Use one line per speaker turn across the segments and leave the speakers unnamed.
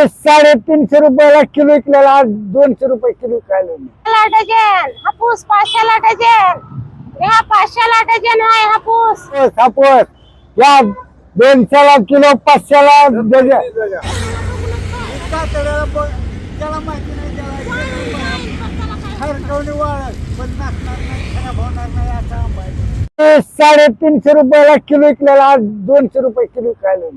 350 रुपयाला किलो विकलेला आज 200 रुपये किलो खायला
डझन हापूस 500 डझन या 500 डझन आहे हापूस
हापूस या 200 किलो 500 डझन
त्याला माहिती नाही त्याला पण नाचणार नाही खराब होणार नाही असा आंबा आहे.
350 रुपयाला किलो विकलेला आज 200 रुपये किलो खायला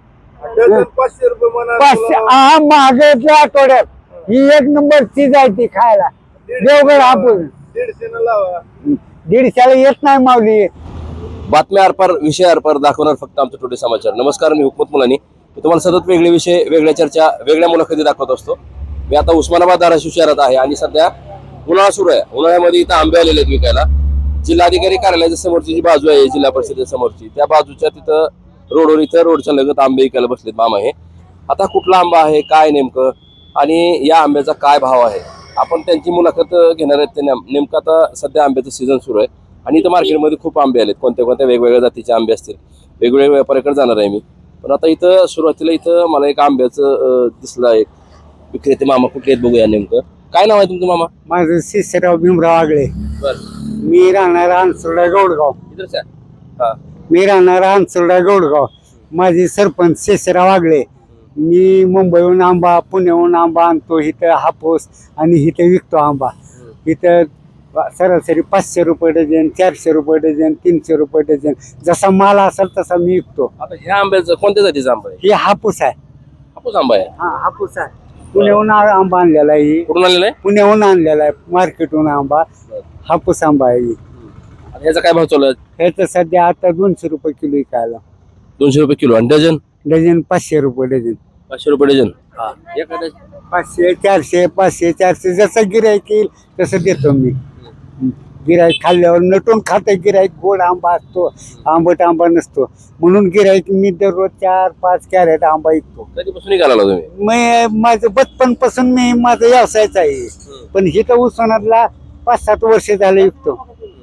500 रुपये म्हणा
500 हा महागाईतल्या आठवड्यात ही एक नंबर चीज आहे ती खायला देवगड हापूस
150 न लावा
150 येत नाही माऊली
बातम्या आरपार विषय आरपार दाखवणार फक्त आमचं टुडे समाचार. नमस्कार, मी हुकमत मुलानी. मी तुम्हाला सतत वेगळे विषय, वेगळ्या चर्चा, वेगळ्या मुलाखती दाखवत असतो. मी आता उस्मानाबाद धाराशिव शहरात आहे आणि सध्या उन्हाळा सुरू आहे. उन्हाळ्यामध्ये इथं आंबे आलेले आहेत विकायला. जिल्हाधिकारी कार्यालयाच्या समोरची जी बाजू आहे जिल्हा परिषदेच्या समोरची, त्या बाजूच्या तिथं रोडवर इथं रोडच्या लगत आंबे विकायला बसलेत मामा हे. आता कुठला आंबा आहे, काय नेमकं, आणि या आंब्याचा काय भाव आहे, आपण त्यांची मुलाखत घेणार आहेत. ते नेमकं आता सध्या आंब्याचं सीझन सुरू आहे आणि इथं मार्केटमध्ये खूप आंबे आलेत. कोणत्या कोणत्या वेगवेगळ्या जातीचे आंबे असतील, वेगवेगळ्या व्यापाऱ्याकडे जाणार आहे मी. पण आता इथं सुरुवातीला इथं मला एक आंब्याचं दिसलं. एक विक्रेते मामा कुठले आहेत बघूया. नेमकं काय नाव आहे तुमचं मामा?
माझं शिरसेराव भीमराव आगळे.
बरं,
मी राहणार अंसुर्डा गौडगाव.
इथंच आहे. हा,
मी राहणार अंसुर्डा गौडगाव. माझी सरपंच शिरसेराव आगळे. मी मुंबईहून आंबा, पुण्याहून आंबा आणतो इथं हापूस आणि इथं विकतो आंबा. इथं सरासरी 500 रुपये डझन, 400 रुपये डझन, 300 रुपये डझन, जसा माल असेल तसा मी विकतो.
आता ह्या आंब्याचं कोणत्या जातीचा आंबा आहे?
हे हापूस आहे.
हापूस आंबा आहे.
हा हापूस आहे. पुण्याहून आंबा आणलेला आहे.
कुठून आलेला आहे?
पुण्याहून आणलेला आहे, मार्केटहून आंबा. हापूस आंबा आहे.
आता ह्याचा काय भाव चालू आहे?
ह्याचं सध्या आता 200 रुपये किलो विकायला.
200 रुपये किलो. आणि डझन?
डझन 500 रुपये डझन.
500 रुपये डझन. एका डझन
500, 400, 500, 400 जसं गिराईक येईल तसं देतो मी. गिराईक खाल्ल्यावर नटून खातं गिराईक. गोड आंबा असतो, आंबट आंबा नसतो, म्हणून गिराईक मी दररोज 4-5 कॅरेट आंबा विकतो.
कधीपासून निघाला तुम्ही?
माझं बचपन पासून मी माझा व्यवसायच आहे. पण इथं उस्मानाबादला 5-7 वर्ष झालं विकतो.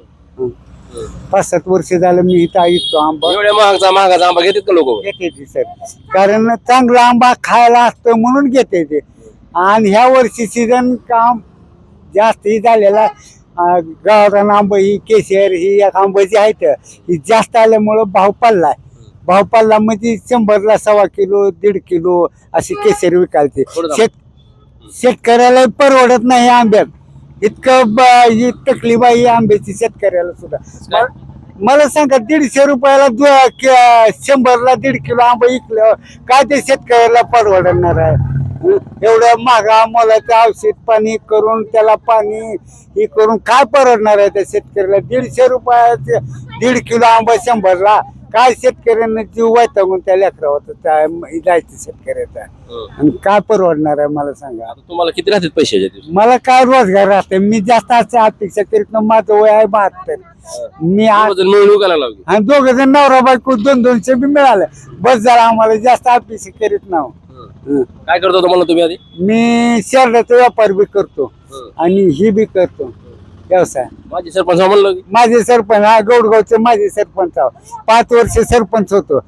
5-7 वर्ष झालं मी इथं विकतो आंबा.
एवढ्या महागाचा आंबा घेतात का लोक?
घेते सर, कारण चांगला आंबा खायला असतो म्हणून घेते ते. आणि ह्या वर्षी सीझन काम जास्त झालेला. गावरान आंबा ही केशर ही एक आंबा जी आहेत ही जास्त आल्यामुळं भाव पडलाय. भाव पडला म्हणजे 100ला 1.25 किलो 1.5 किलो अशी केशर विकायचे. शेतकऱ्याला परवडत नाही आंब्यात. इतकं ही तकलीफ आहे आंब्याची शेतकऱ्याला सुद्धा. मला सांगा 150 रुपयाला 100ला 1.5 किलो आंबा विकल्यावर काय ते शेतकऱ्याला परवडणार आहे? एवढं महागा मोलाचं औषध पाणी करून त्याला पाणी हे करून काय परवडणार आहे त्या शेतकऱ्याला? 150 रुपयाचे 1.5 किलो आंबा 100ला काय शेतकऱ्यांना जीव वैतागून त्या लेकरावर जायचं शेतकऱ्याचा. आणि काय परवडणार आहे मला सांगा?
आता तुम्हाला किती राहतात पैसे?
मला काय रोजगार राहते? मी जास्त असं अपेक्षा करीत नाही. माझं वय आहे 72. मी आणि 2 जण नवरा बायको 200 बी मिळालं बस झालं. आम्हाला जास्त अपेक्षा करीत नाही.
काय करतो तुम्हाला तुम्ही आधी?
मी शर्टाचा व्यापार बी करतो आणि ही बी करतो व्यवसाय.
माझी सरपंच म्हणलं
माझे सरपंच हा गौडगावचे माझे सरपंच 5 वर्ष सरपंच होतो.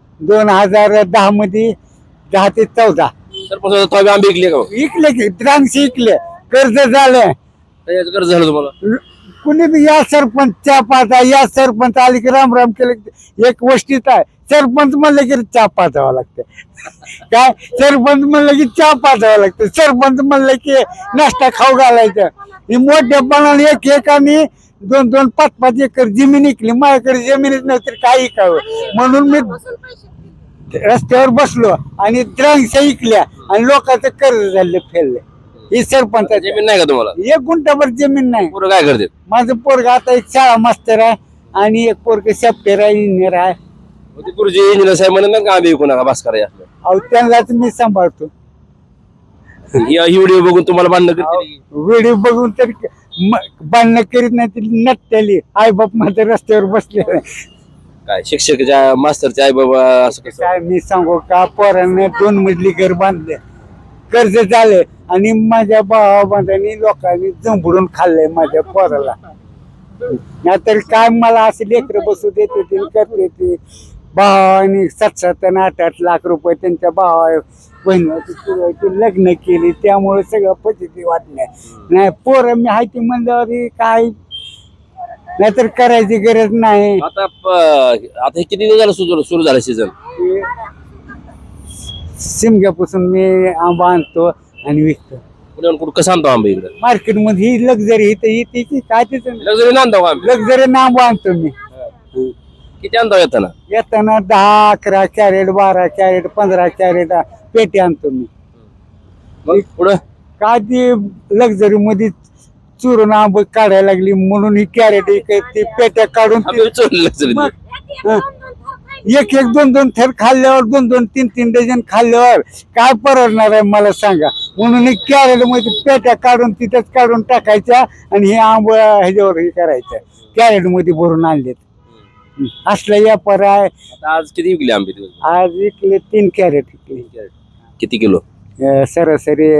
2010 मध्ये 10 ते 14
सरपंच आंबे विकले का?
विकले की द्रांक्ष विकले. कर्ज झालं.
त्याचं कर्ज झालं तुम्हाला?
कुणी बी या सरपंच पाहता या सरपंच आले की राम राम केलं. एक गोष्टीत आहे, सरपंच म्हणलं की चहा पाजावं लागतं. काय सरपंच म्हणलं की चहा पाजावं लागतं. सरपंच म्हणलं की नाश्ता खाऊ घालायचं. ही मोठ्यापणाने एकाने 2-2, 5-5 एकर जमीन विकली. माझ्याकडे जमीनच नव्हती काय विकावं, म्हणून मी रस्त्यावर बसलो आणि द्रांक्ष विकल्या आणि लोकांचं कर्ज झालं फेललं. ही सरपंच
जमीन नाही का तुम्हाला?
1 गुंठाभर जमीन नाही.
पुरं काय करते?
माझं पोरग आता एक शाळा मास्तर आहे आणि एक पोरग सॉफ्टवेअर आहे, इंजिनियर आहे.
गुरुजी इंजिनियर साहेब म्हणत ना का आंबे विकू नका भास्कर आहे असलं.
अहो त्यांनाच मी सांभाळतो.
ही व्हिडिओ बघून तुम्हाला बांधणं करते?
व्हिडिओ बघून तर बांधणं करीत नाही. ती नटलेली आई बाप माझ्या रस्त्यावर बसले.
काय शिक्षकाच्या मास्तरचे आई बाबा असं कसं?
काय मी सांगू का, पोरांना 2 मजली घर बांधले, कर्ज झाले आणि माझ्या भावाबांधांनी लोकांनी जंबडून खाल्लंय माझ्या पोराला. नाहीतर काय मला असे लेकर बसू देते ते करते ते. भावाने 7-7 आणि 8-8 लाख रुपये त्यांच्या भावा बहिणीची लग्न केली, त्यामुळे सगळं पॉझिटिव्ह वाटलं. नाही पोरं मी आहे ती म्हणल्यावर काय नाहीतर करायची गरज नाही.
आता आता हे किती दिवस झालं सुरू झालं सीझन?
शिमग्यापासून मी आंबा आणतो आणि विकतो
कुठे कुठं कसं आणतो आंबे इकडे?
मार्केटमध्ये. ही लक्झरी इथं येते की काय तिथं
लक्झरी आणतो का आंबे?
लक्झरी आंबा आणतो मी.
किती आणतो येताना?
येताना 10-11 कॅरेट, 12 कॅरेट, 15 कॅरेट पेटी आणतो मी.
मग पुढं
काय ती लक्झरी मध्ये चुरून आंब काढायला लागली म्हणून ही कॅरेट ती पेट्या काढून
आंबे चोरले लक्झरी.
एक 2 थर खाल्ल्यावर 2 3 डझन खाल्ल्यावर काय परवडणार आहे मला सांगा. म्हणून ही कॅरेट मध्ये पेट्या काढून तिथंच काढून टाकायच्या आणि हे आंब ह्याच्यावर हे करायचं कॅरेट मध्ये भरून आणलेत. असला व्यापार आहे.
आता आज किती विकले आंबे दिवस?
आज विकले 3 कॅरेट विकले.
किती किलो?
सरासरी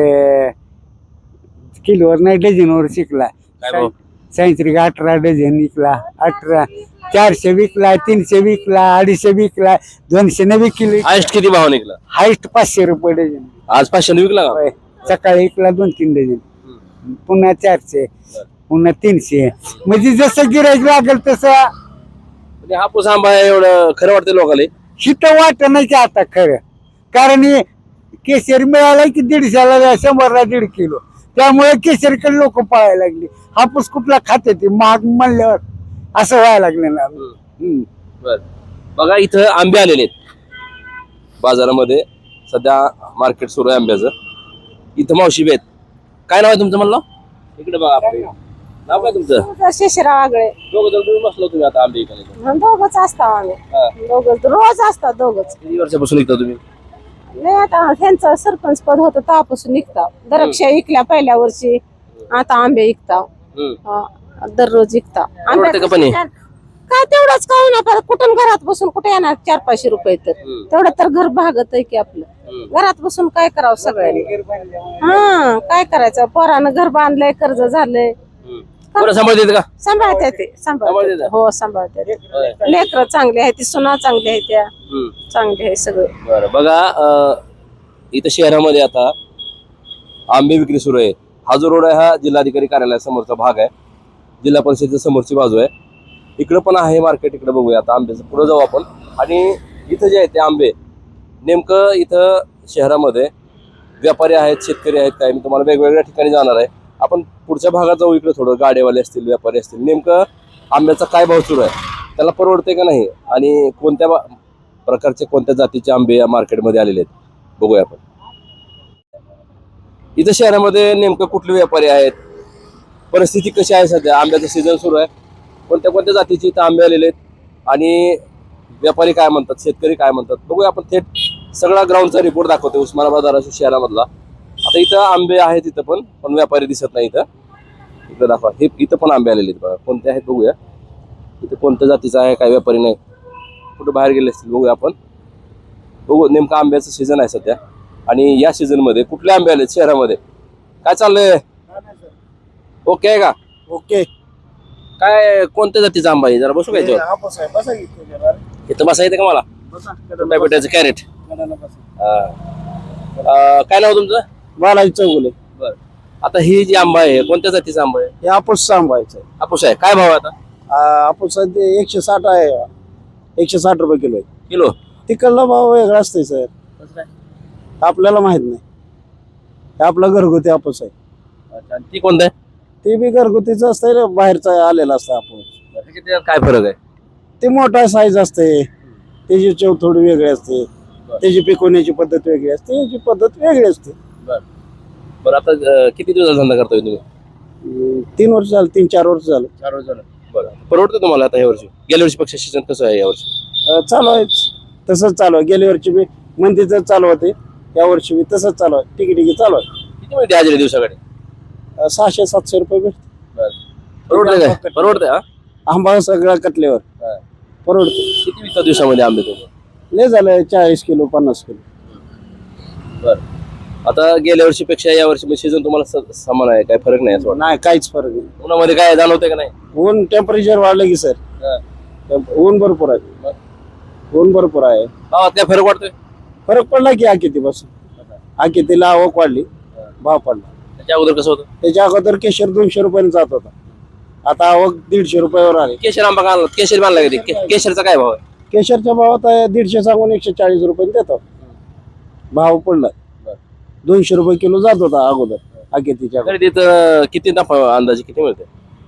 किलोवर नाही डझनवर शिकला.
काय भाव?
सायंत्रिक 18 डझन विकला. 18 400 विकला, 300 विकला, 250 विकला, 200 ने विकली.
हायस्ट किती भाव निघला?
हायस्ट 500 रुपये डझन.
आज 500 विकला का?
होय. सकाळी विकला 2-3 डझन, पुन्हा 400, पुन्हा 300. म्हणजे जसं गिराईक लागेल तसं.
म्हणजे हापूस आंबा आहे एवढं खरं वाटतं लोकांना?
शितं वाटत नाही की आता खरं. कारण हे केशर मिळाला की 150ला 100ला 1.5 किलो. त्यामुळे केशरकडे लोक पळायला लागली. हापूस कुठला खाते ते महाग म्हणल्यावर असं व्हायला लागलं ना.
बर बघा इथं आंबे आलेले आहेत बाजारामध्ये. सध्या मार्केट सुरू आहे आंब्याचं. इथं मावशी बी आहेत. काय नाव आहे तुमचं म्हणलं? इकडे बघा आपलं नाव काय तुमचं?
शिशिरा वागळे.
दोघं जण तुम्ही बसलो तुम्ही आता आंबे इकडे?
दोघच असता आम्ही. दोघच रोज असतात दोघच.
किती वर्षापासून निघता तुम्ही?
नाही आता त्यांचं सरपंच पद होतं तेव्हापासून निघता. द्राक्ष विकल्या पहिल्या वर्षी, आता आंबे विकता. दररोज विकता.
परवडते का पण हे?
काय तेवढंच काय ना, परत कुठून घरात बसून कुठे येणार 400-500 रुपये. तर तेवढं तर घर भागत आहे की आपलं. घरात बसून काय करावं सगळ्यांनी. काय करायचं, पोरानं घर बांधलंय, कर्ज झालंय.
बरं सांभाळते का?
सांभाळते ते, सांभाळते. हो सांभाळते. लेकरं चांगली आहे ती, सुना चांगली आहे त्या, चांगली आहे सगळं.
बरं बघा इथं शहरामध्ये आता आंबे विक्री सुरू आहे. हा जो रोड आहे हा जिल्हाधिकारी कार्यालयासमोरचा भाग आहे. जिल्हा परिषदेच्या समोरची बाजू आहे. इकडं पण आहे मार्केट. इकडे बघूया आता आंब्याचं. पुढे जाऊ आपण. आणि इथं जे आहे ते आंबे नेमकं इथं शहरामध्ये व्यापारी आहेत, शेतकरी आहेत काय, मी तुम्हाला वेगवेगळ्या ठिकाणी जाणार आहे. आपण पुढच्या भागात जाऊ. इकडे थोडं गाडेवाले असतील, व्यापारी असतील. नेमकं आंब्याचा काय भाव सुरू आहे, त्याला परवडते का नाही, आणि कोणत्या प्रकारचे कोणत्या जातीचे आंबे या मार्केटमध्ये आलेले आहेत बघूया आपण. इथं शहरामध्ये नेमकं कुठले व्यापारी आहेत, परिस्थिती कशी आहे सध्या, आंब्याचं सीझन सुरू आहे, कोणत्या कोणत्या जातीचे इथं आंबे आलेले आहेत, आणि व्यापारी काय म्हणतात, शेतकरी काय म्हणतात बघूया आपण. थेट सगळा ग्राउंडचा रिपोर्ट दाखवतो उस्मानाबाद धाराशिव शहरामधला. आता इथं आंबे आहेत, इथं पण व्यापारी दिसत नाही. इथं दाखवा. हे इथं पण आंबे आलेले आहेत बघा. कोणते आहेत बघूया. इथं कोणत्या जातीचा आहे, काय व्यापारी नाही, कुठं बाहेर गेले असतील बघूया आपण. बघू नेमकं आंब्याचं सीझन आहे सध्या. आणि या सीझन मध्ये कुठले आंबे आले शहरामध्ये, काय चाललंय? ओके आहे का?
ओके.
काय कोणत्या जातीचा आंबा आहे, जरा बसू काय इथं बसा येते का मला? भेटायचं कॅरेट. काय नाव तुमचं?
बालाजी चौगुले.
बरं. आता ही जी आंबा आहे कोणत्या जातीचा आंबा आहे?
हे हापूस आंबायचं.
हापूस आहे. काय भाव आहे आता?
हापूस ते 160 आहे. 160 रुपये किलो आहे.
किलो?
तिकडला भाव वेगळा असतोय सर, आपल्याला माहित नाही. हे आपला घरगुती हापूस आहे.
अच्छा. ती कोणतं आहे?
ते बी घरगुतीच असतंय रे, बाहेरचा आलेला असतं हापूस.
काय फरक आहे?
ते मोठा साईज असते, त्याची चव थोडी वेगळी असते, त्याची पिकवण्याची पद्धत वेगळी असते, याची पद्धत वेगळी असते.
बरं आता किती दिवस धंदा करतोय तुम्ही?
3 वर्ष झालं, 3-4 वर्ष झालं.
4 वर्ष झालं. बरं. परवडतं तुम्हाला आता ह्या वर्षी? गेल्या वर्षी पेक्षा सीझन कसं आहे या वर्षी?
चालू आहे तसंच चालू आहे. गेल्या वर्षी बी मंदीच चालू होते, या वर्षी बी तसंच चालू आहे. तिकी चालू आहे.
किती मिळते आज दिवसाकडे?
600-700 रुपये भेटते.
परवडते काय? परवडते. हा
आंबा सगळा कटल्यावर परवडते.
किती विकतात दिवसामध्ये आंबे तुम्ही?
लय झालं 40 किलो 50 किलो.
बरं. आता गेल्या वर्षीपेक्षा या वर्षी सीझन तुम्हाला समान आहे, काय फरक नाही असं वाटतं?
नाही, काहीच फरक नाही.
उन्हामध्ये काय जाणवतंय का नाही?
ऊन टेम्परेचर वाढलं की सर, ऊन भरपूर आहे. ऊन भरपूर आहे.
त्या फरक वाटतोय
फरक पडला की आकितीपासून. आकितीला आवक वाढली, भाव पडला.
त्याच्या अगोदर कसं होतं?
त्याच्या अगोदर केशर 200 रुपयाने जात होता, आता आवक 150 रुपयावर आली.
केशर आंबा का आणला? केशर बांधला कधी? केशरचा काय भाव आहे?
केशरच्या भावात 150 सांगून 140 रुपयाने देतो. भाव पडला. 200 रुपये किलो जात होता अगोदर आकितीच्या.
खरेदीत किती नफा अंदाजे किती मिळते?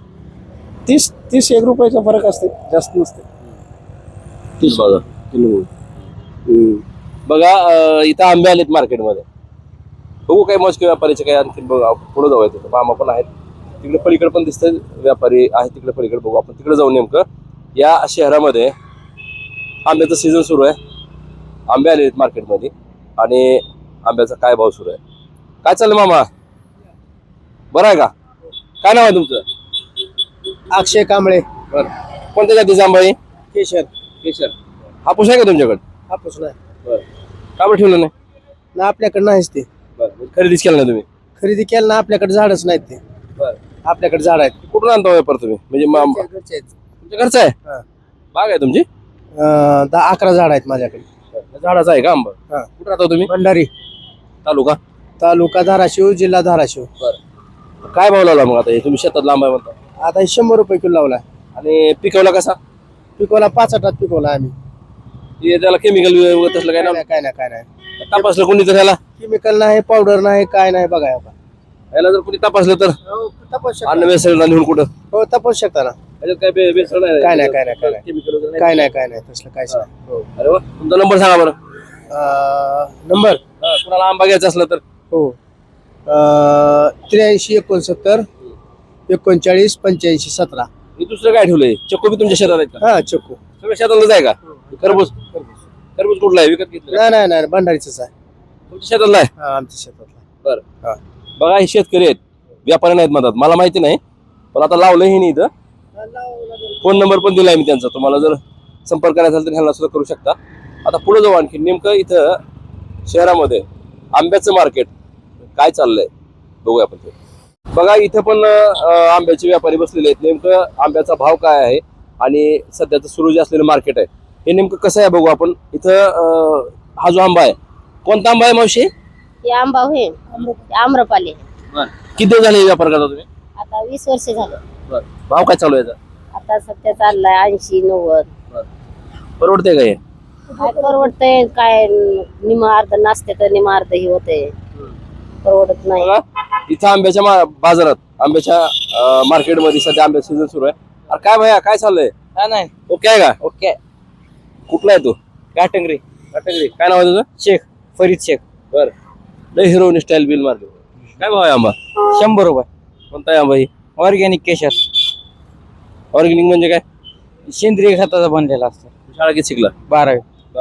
30 रुपयाचा फरक असते, जास्त नसते. 30
बघा.
किलो.
बघा इथं आंबे आलेत मार्केटमध्ये. बघू काही मस्क व्यापारीचे काय आणखी पुढे जाऊया. तिथं मामा पण आहेत, तिकडे पलीकडे पण दिसतंय व्यापारी आहे तिकडे पलीकडे. बघू आपण तिकडे जाऊन. नेमकं या शहरामध्ये आंब्याचं सीझन सुरू आहे, आंबे आले आहेत मार्केटमध्ये आणि आंब्याचा काय भाव सुरू आहे, काय चाललं मामा? बरं आहे का? काय नाव आहे तुमचं?
अक्षय कांबळे.
बरं. कोणत्या जातीचा आंबा आहे?
केशर.
केशर. हापूस आहे का तुमच्याकडे?
हापूस नाही
बरं. का बरं ठेवलं नाही?
ना, आपल्याकडे नाहीच ते.
बरं. खरेदीच केलं नाही तुम्ही?
खरेदी केलं ना, आपल्याकडे झाडच नाहीत ते.
बरं.
आपल्याकडे झाड आहेत.
कुठून आणता व्यापार तुम्ही? म्हणजे
घरचे आहेत.
तुमच्या घरचं आहे?
हा.
बाग आहे तुमची?
10-11 झाड आहेत माझ्याकडे.
झाडाचा आहे का आंबा?
हा.
कुठं राहता तुम्ही?
भंडारी
तालुका?
तालुका धाराशिव, जिल्हा धाराशिव.
काय भाव लावला मग आता हे? तुम्ही शेतात लांब आहे म्हणता
आता 100 रुपये किलो लावलाय.
आणि पिकवला कसा?
पिकवला 5 आठात पिकवला आम्ही.
हे त्याला केमिकल वगैरे तसलं काय ना?
काय नाही
तपासलं कोणी तर ह्याला?
केमिकल नाही, पावडर नाही, काय नाही. बघा
ह्याला जर कोणी तपासलं तर
तपास
अन्न भेसळ नेऊन कुठं?
हो, तपासू शकता ना.
ह्याच्यात काय भेसळ नाही?
काय नाही, काय नाही, काय नाही.
केमिकल वगैरे
काय नाही तसलं काहीच नाही.
अरे वा. तुमचा नंबर सांगा बरं.
नंबर
कुणाला आंबा घ्यायचा असला तर?
हो 83 69 39 85 17.
हे दुसरं काय ठेवलंय? चक्को बी तुमच्या शेतात आहेत का?
हा, चक्कू.
सगळं शेतातलंच आहे का? खरबूज? खरबूज कुठला आहे? विकत घेतलं?
नाही भंडारीच आहे.
तुमच्या शेतातला आहे?
हा, आमच्या शेतातला.
बरं.
हा.
बघा हे शेतकरी आहेत, व्यापारी नाहीत म्हणतात. मला माहिती नाही, पण आता लावलं हे नाही. इथं फोन नंबर पण दिलाय मी त्यांचा. तुम्हाला जर संपर्क करायचा असेल तर ह्यांना सुद्धा करू शकता. आता पुढे जाऊ आणखी. नेमकं इथं शहरामध्ये आंब्याचं मार्केट काय चाललंय बघूया आपण. बघा इथं पण आंब्याचे व्यापारी बसलेले आहेत. नेमकं आंब्याचा भाव काय आहे आणि सध्याचं सुरू जे असलेलं मार्केट आहे हे नेमकं कसं आहे बघू आपण. इथं हा जो आंबा आहे, कोणता आंबा आहे मावशी?
हे आंबा होय आम्रपाली.
किती दिवस झाले व्यापार करता तुम्ही?
आता 20 वर्ष झालं.
भाव काय चालू आहे याचा?
आता सध्या चाललाय 80-90.
परवडते का हे?
काय परवडतंय? काय निमा अर्ध नाचते तर निमा अर्ध ही होते, परवडत नाही.
बघा, इथं आंब्याच्या बाजारात, आंब्याच्या मार्केटमध्ये सध्या आंब्याचा सीझन सुरू आहे. अरे काय भैया, काय चाललंय?
नाही
ओके आहे का?
ओके.
कुठला आहे तू?
काटंगरी.
काय नाव आहे तुझं?
शेख फरीद शेख.
बर. लय हिरोईन स्टाईल बिल मार्केट. काय भाव आहे आंबा?
100 रुपये.
कोणता आहे आंबा ही?
ऑर्गॅनिक केशर.
ऑर्गॅनिक म्हणजे काय?
सेंद्रिय खताचा बनलेला असतो.
शाळा किती शिकला?
12वी.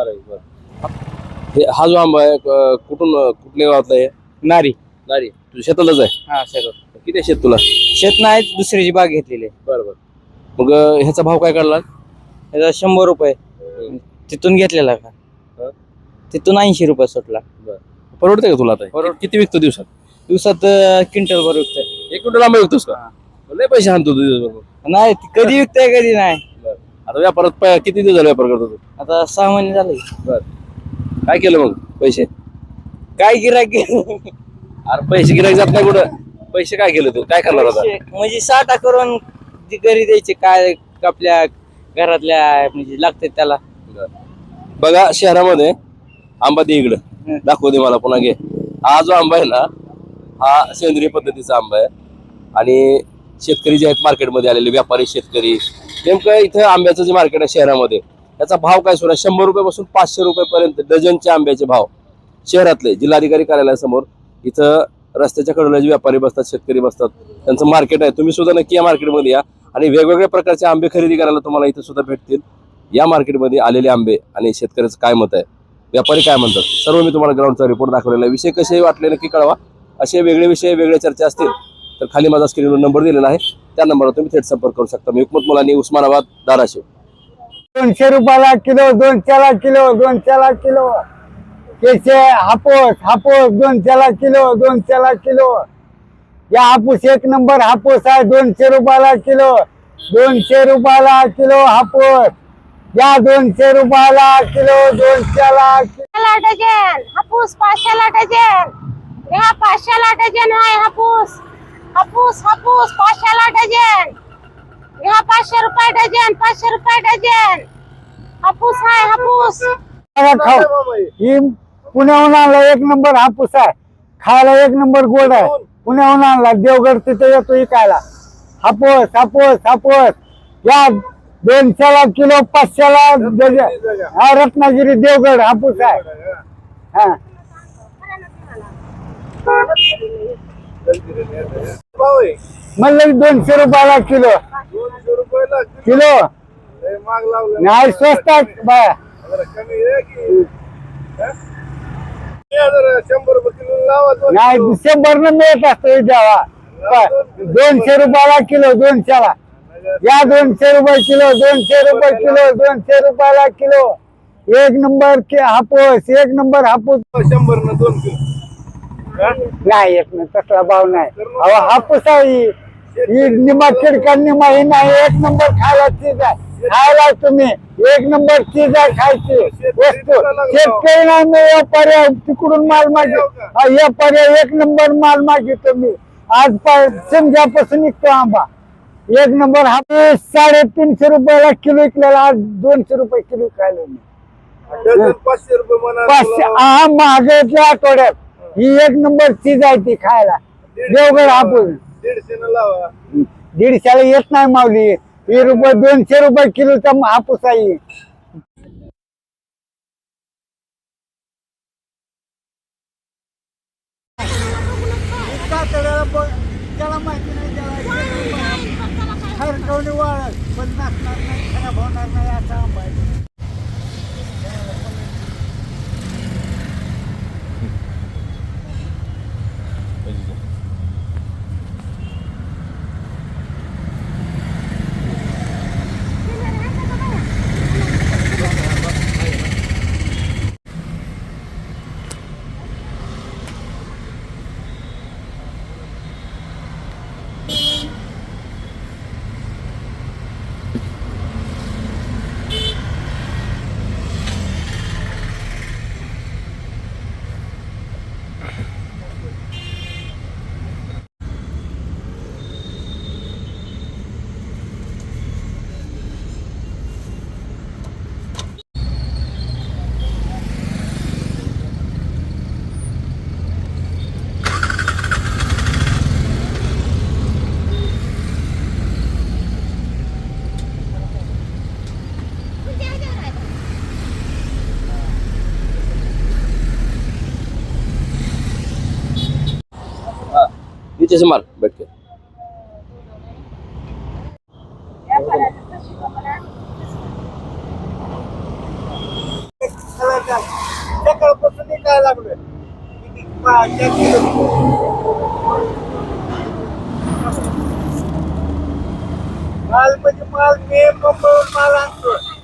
हे हा जो आंबा आहे कुठल्या गावातला आहे?
नारी.
नारी. तुझ्या शेतातच आहे?
हा, शेतात.
किती आहे शेत तुला?
शेत नाही, दुसऱ्याची बाग घेतलेली आहे.
बरोबर. मग ह्याचा भाव काय काढला?
त्याचा 100 रुपये तिथून घेतलेला का? तिथून 80 रुपये सुटला.
परवडते का तुला आता? किती विकतो दिवसात?
दिवसात क्विंटल भर विकतोय.
1 क्विंटल आंबा विकतोस का? लय पैसे आणतो तू दिवसभर.
नाही, कधी विकतोय कधी नाही.
आता व्यापारात किती दिवस झाले व्यापार करतो तू?
आता 6 महिने झाले.
काय केलं मग पैसे?
काय गिराक
अरे पैसे गिरायक जात नाही कुठं. पैसे काय केलं तू? काय करणार आता?
म्हणजे साठा करून ती घरी द्यायचे, काय आपल्या घरातल्या म्हणजे लागते त्याला.
बघा शहरामध्ये आंबा दे इकडं, दाखवू दे मला पुन्हा घे. हा जो आंबा आहे ना, हा सेंद्रिय पद्धतीचा आंबा आहे. आणि शेतकरी जे आहेत मार्केटमध्ये आलेले व्यापारी शेतकरी, नेमकं इथं आंब्याचं जे मार्केट आहे शहरामध्ये, त्याचा भाव काय सुरू आहे? 100 रुपयापासून 500 रुपयेपर्यंत डझनचे आंब्याचे भाव शहरातले. जिल्हाधिकारी कार्यालयासमोर इथं रस्त्याच्या कडेला जे व्यापारी बसतात, शेतकरी बसतात, त्यांचं मार्केट आहे. तुम्ही सुद्धा नक्की या मार्केटमध्ये या आणि वेगवेगळ्या प्रकारचे आंबे खरेदी करायला तुम्हाला इथं सुद्धा भेटतील. या मार्केटमध्ये आलेले आंबे आणि शेतकऱ्याचं काय मत आहे, व्यापारी काय म्हणतात, सर्व मी तुम्हाला ग्राउंडचा रिपोर्ट दाखवलेला आहे. विषय कसे वाटले नक्की कळवा. असे वेगळे विषय, वेगळ्या चर्चा असतील तर खाली माझा स्क्रीनवर नंबर दिलेला आहे, त्या नंबरवर तुम्ही थेट संपर्क करू शकता. मी हुकमत मुलानी, उस्मानाबाद, धाराशिव.
200 रुपयाला किलो, 200 किलो, 200 किलो. केशे हापूस 200 किलो, 200 किलो. या हापूस 1 नंबर हापूस आहे. 200 रुपयाला किलो, 200 रुपयाला किलो हापूस. या 200 रुपयाला किलो, 200ला
डझन हापूस 500ला डझन. ह्या 500ला डझन आहे हापूस. हापूस हापूस 500ला डझन. ह्या 500 रुपये डझन, 500 रुपये डझन. हापूस आहे हापूस.
खाऊ ही पुण्याहून आणला 1 नंबर हापूस आहे. खायला 1 नंबर गोड आहे. पुण्याहून आणला देवगड तिथे येतो विकायला. हापूस हापूस हापूस या 200ला किलो, 500ला डझन. हा रत्नागिरी देवगड हापूस आहे. हा
भाऊ आहे.
म्हणलं 200 रुपयाला किलो.
200 रुपयाला
किलो
लय महाग लावला.
नाही स्वस्त आहे बाया.
जरा कमी आहे की हा? या जरा 100 रुपये किलो लावा. 2
नाही
किलो.
100 न मिळत असतो द्यावा. 200 रुपयाला किलो, 200ला या 200 रुपये किलो, 200 रुपये किलो, 200 रुपयाला kilo. 1 number Hapus, 1 number Hapus.
100 न 2 किलो हा?
नाही येत नाही तसला भाव नाही. अहो हापूस आहे ही निमा खिडका निमा ही नाही. 1 नंबर खायला चीज आहे. खायला तुम्ही 1 नंबर चीज आहे खायची वस्तू. शेतकरी नाही मी व्यापारी आहे. तिकडून माल मागे व्यापारी 1 नंबर माल मागितो मी. आज समजापासून निघतो आंबा. 1 नंबर हापूस 350 रुपयाला किलो विकलेला. आज 200 रुपये किलो खायला मी.
डझन 500 रुपये म्हणा.
500 हा महागाईच्या आठवड्यात ही 1 नंबर चीज आहे ती खायला. देवगड हापूस
150 न लावा.
150ला येत नाही माऊली. ही रुपये 200 रुपये किलोचा हापूस आहे. त्याला माहिती नाही खरकवणी वाळत पण नसणार नाही, खराब होणार नाही असा आंबा आहे.
नीचे से मार बैठ के.
सकाळपासून काय लागलोय माल म्हणजे माल मे मुंबईहून माल आणतो.